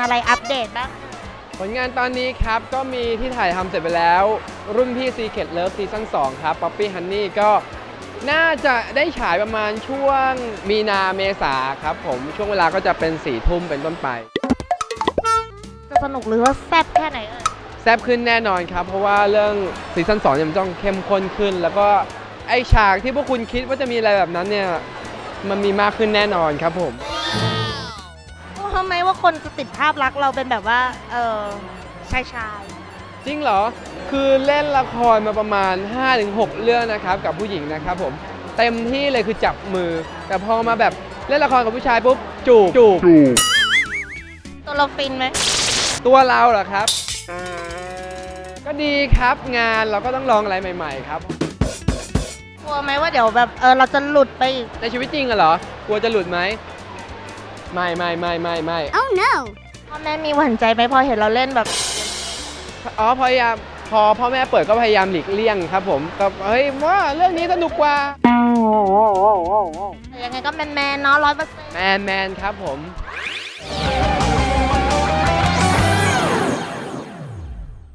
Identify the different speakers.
Speaker 1: อะไรอัปเดตบ้าง
Speaker 2: ผลงานตอนนี้ครับก็มีที่ถ่ายทำเสร็จไปแล้ว รุ่นพี่ Secret Love ซีซั่น2ครับ Poppy Honey ก็น่าจะได้ฉายประมาณช่วงมีนาเมษาครับผมช่วงเวลาก็จะเป็น4 ทุ่มเป็นต้นไป
Speaker 1: จะสนุกหรือว่าแซ่บแค่ไหนเอ่ย
Speaker 2: แซ่บขึ้นแน่นอนครับ เพราะว่าเรื่องซีซั่น2เนี่ยมันต้องเข้มข้นขึ้น แล้วก็ไอฉากที่พวกคุณคิดว่าจะมีอะไรแบบนั้นเนี่ยมันมีมากขึ้นแน่นอนครับผม
Speaker 1: ทำไมว่าคนจะติดภาพลักษณ์เราเป็นแบบว่าชาย
Speaker 2: จริงเหรอ คือเล่นละครมาประมาณ 5-6 เรื่องนะครับกับผู้หญิงนะครับผมเต็มที่เลยคือจับมือ แต่พอมาแบบเล่นละครกับผู้ชายปุ๊บจูบ
Speaker 1: ตัวเราฟินไหม
Speaker 2: ตัวเราเหรอครับ ก็ดีครับงานเราก็ต้องลองอะไรใหม่ๆครับ
Speaker 1: กลัวไหมว่าเดี๋ยวแบบเราจะหลุดไปอีก
Speaker 2: ในชีวิตจริงอะเหรอกลัวจะหลุดไหมไม่
Speaker 1: Oh no พ่อแม่มีหวั่นใจไหมพอเห็นเราเล่นแบบ
Speaker 2: อ๋อพยายามพอพ่อแม่เปิดก็พยายามหลีกเลี่ยงครับผมก็เฮ้ยว่าเรื่องนี้สนุกกว่า
Speaker 1: ยังไงก็แมนๆเนาะ100%
Speaker 2: แมนครับผม